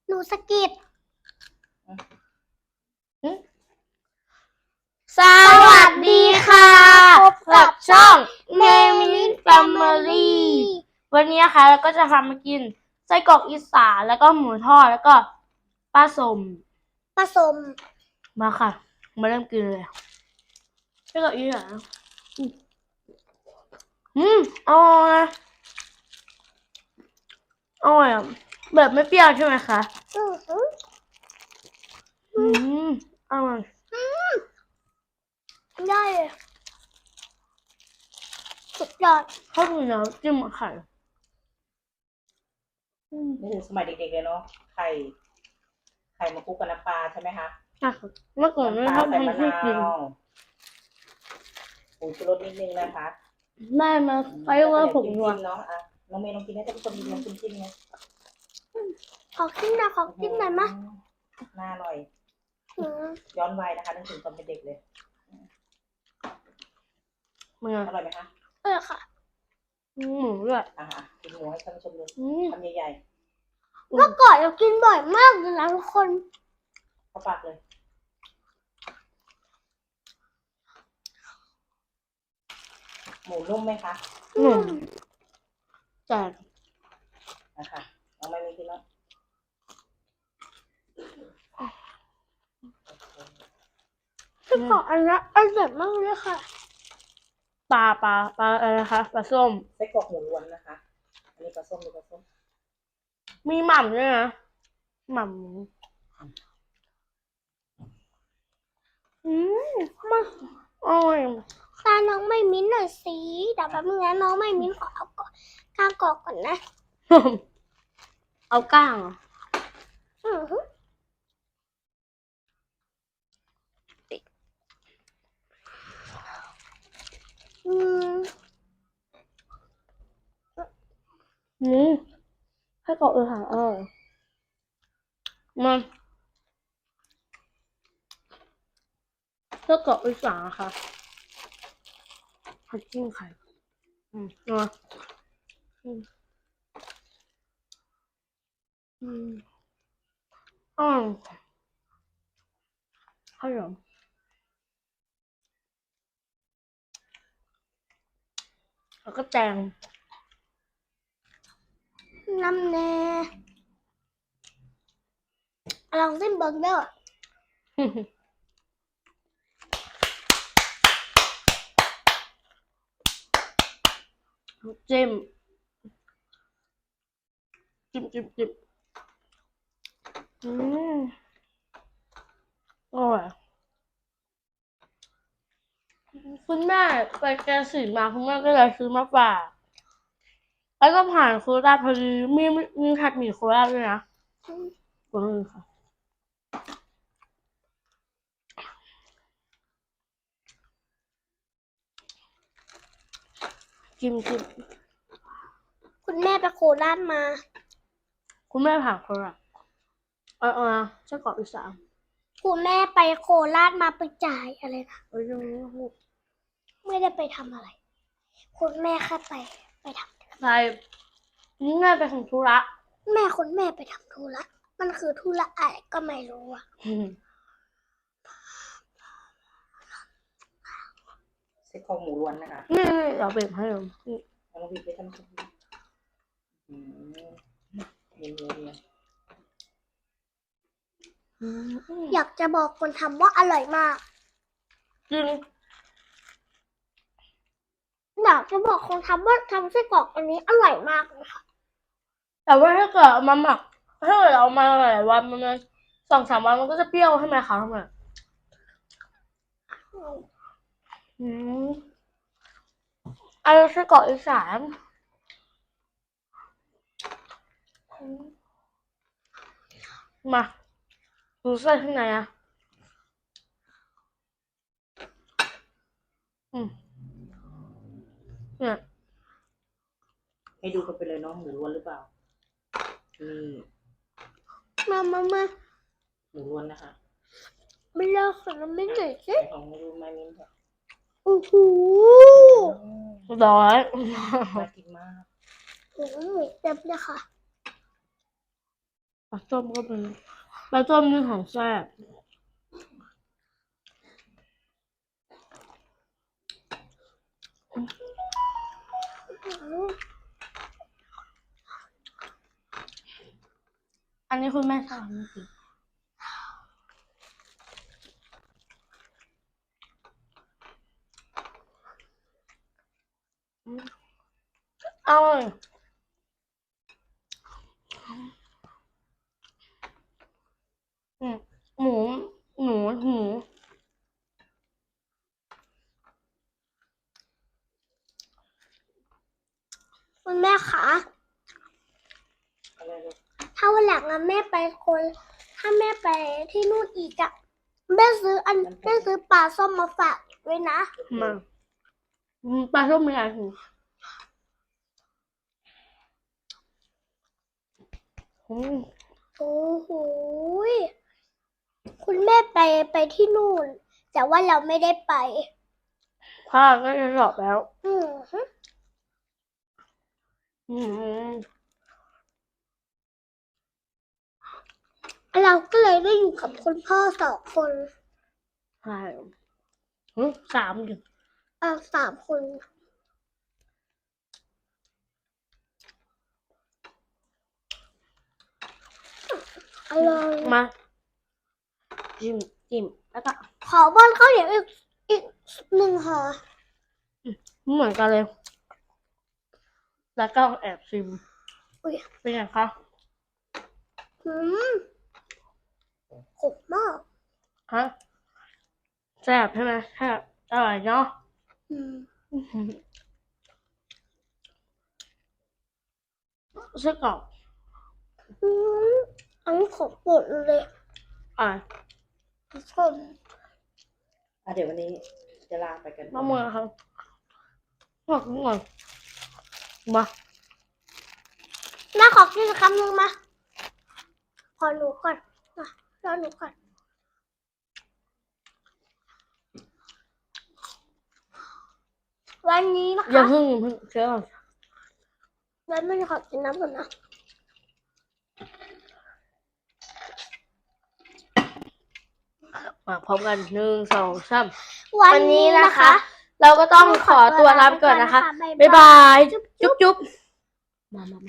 หนูสะกิดสวัสดีค่ะพบกับช่อง Name Family วันนี้นะคะเราก็จะทำมากินไส้กรอกอีสานแล้วก็หมูทอดแล้วก็ปลาส้มมาค่ะมาเริ่มกินเลยไส้กรอกอีสานอร่อยอร่อยแบบไม่เปรี้ยวใช่ไหมคะอร่อยได้เลยสุดยอดข้าวเหนียวจิ้มไข่นี่คือสมัยเด็กๆเลยเนาะไข่มาคลุกกับน้ำปลาใช่ไหมคะเมื่อก่อนไม่ชอบทำให้กินผงชูรสนิดนึงนะคะได้มาไปว่าผมนัวเนาะอ่ะน้องเมย์ลองกินให้ท่านผู้ชมดูลองจิ้มๆนะขอกินหน่อยมะน่าอร่อยย้อนวัยนะคะนึกถึงตอนเป็นเด็กเลยอร่อยไหมคะค่ะหมูด้วยกินหมูให้ท่านผู้ชมดูทำใหญ่ๆเมื่อก่อนเรากินบ่อยมากเลยนะทุกคนเข้าปากเลยหมูนุ่มไหมคะจัดนะคะน้องไม่มีกินแล้วไส้กรอกอันนี้อร่อยมากเลยค่ะปลาอะไรนะคะปลาส้มไส้กรอกหมูล้วนนะคะอันนี้ปลาส้มดูปลาส้มมีหม่ำด้วยนะหม่ำมาอร่อยตาน้องไม่มิ้นหน่อยสิเดี๋ยวแป๊บนึงนะน้องไม่มิ้นขอเอาก้างกรอกก่อนนะเอาก้างให้กรอกเลยค่ะมันเพื่อกรอกอีสานค่ะผัดจิ้มไข่นัวข้าวเหนียวแล้วก็แตงน้ำแน่ลองเส้นเบอร์เกอร์จิ้มอร่อยคุณแม่ไปแกสิมาคุณแม่ก็เลยซื้อมาฝากแล้วก็ผ่านโคราชพอดีมีผัดหมี่โคราชด้วยนะค่ะจิ้มคุณแม่ไปโคราชมาคุณแม่ผ่านโคราชไส้กรอกอีสานคุณแม่ไปโคราชมาไปจ่ายอะไรนะไม่ได้ไปทำอะไรคุณแม่แค่ไปทำไปนี่แม่ไปของธุระคุณแม่ไปทำธุระมันคือธุระอะไรก็ไม่รู้อ่ะไส้กรอกหมูล้วนนะคะนี่เดี๋ยวเบรกให้ดูน้องบีบไปทำเนี่ยอยากจะบอกคนทำว่าอร่อยมากจริงอยากจะบอกคนทำว่าทำไส้กรอกอันนี้อร่อยมากเลยค่ะแต่ว่าถ้าเกิดเอามาหมักถ้าเกิดเอามาหลายวันมัน2-3 วันมันก็จะเปรี้ยวใช่ไหมคะทำไมอันนี้ไส้กรอกอีสานมาดูไส้ข้างในเนี่ยให้ดูกันไปเลยน้องหมูล้วนหรือเปล่ามาหมูล้วนนะคะไม่เลิกค่ะไม่เหนื่อยสิของไม่รู้ไม่มิ้นค่ะโอ้โหร้อยน่ากินมากเต็มเลยค่ะปลาส้มก็เป็นปลาส้มนี่ของแซ่บอันนี้คุณแม่ชอบจริงอร่อยหมูหมูหมูคุณแม่คะอะไรลูกถ้าวันหลังอะแม่ไปคนถ้าแม่ไปที่นู่นอีกอะแม่ซื้อปลาส้มมาฝากด้วยนะมาปลาส้มมีอะไรหูอืมโอ้โหยคุณแม่ไปที่นู่น แต่ว่าเราไม่ได้ไปพ่อก็จะสอบแล้วอืมฮึอืมเราก็เลยได้อยู่กับคุณพ่อ2 คนใช่สามอยู่ 3 คน อร่อยมาจิ้มแล้วก็ขอบ้านข้าวเหนียวอีก1 ห่อเหมือนกันเลย แล้วก็แอบชิมอุ๊ยเป็นไงคะอืมขมมากฮะแซ่บใช่ไหมแซ่บอร่อยเนาะอืมไส้กรอกอืมอันนี้ของโปรดเลยอ่ะทุกคนเดี๋ยววันนี้จะลาไปกันมะม่วงครับขอบคุณก่อนมาแม่ขอกินคำหนึ่งมาขอหนูก่อนมารอหนูก่อน วันนี้นะอย่าคะเพิ่งเชื่อก่อนแล้วแม่ขอกินน้ำก่อนนะมาพร้อมกัน1 2 3 วันนี้นะคะเราก็ต้องขอตัวลาไปก่อนนะคะ บ๊ายบาย จุ๊บจุ๊บมา